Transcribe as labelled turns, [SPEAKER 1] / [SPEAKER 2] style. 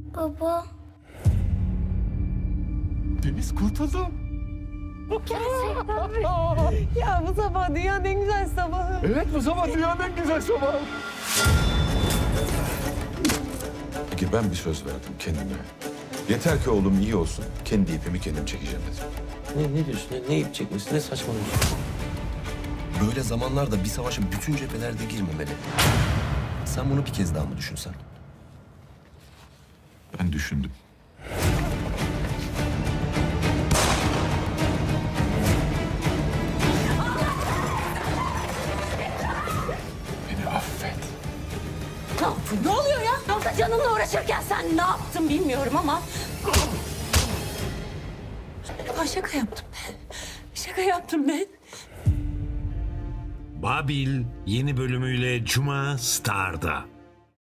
[SPEAKER 1] Baba.
[SPEAKER 2] Deniz kurtuldu.
[SPEAKER 1] Gerçekten mi?
[SPEAKER 3] Ya bu sabah dünyanın en güzel sabahı.
[SPEAKER 2] Evet, bu sabah dünyanın en güzel sabahı.
[SPEAKER 4] Peki ben bir söz verdim kendime. Yeter ki oğlum iyi olsun. Kendi ipimi kendim çekeceğim dedim.
[SPEAKER 5] Ne diyorsun? Ne ip çekmesi? Ne saçmalıyorsun?
[SPEAKER 6] Böyle zamanlarda bir savaşa bütün cephelerde girmemeli. Sen bunu bir kez daha mı düşünsen?
[SPEAKER 4] Ben düşündüm. Beni affet.
[SPEAKER 1] Ne yaptın? Ne oluyor ya? Orada canınla uğraşırken sen ne yaptın bilmiyorum ama... Şaka yaptım ben. Şaka yaptım ben.
[SPEAKER 7] Babil yeni bölümüyle Cuma Star'da.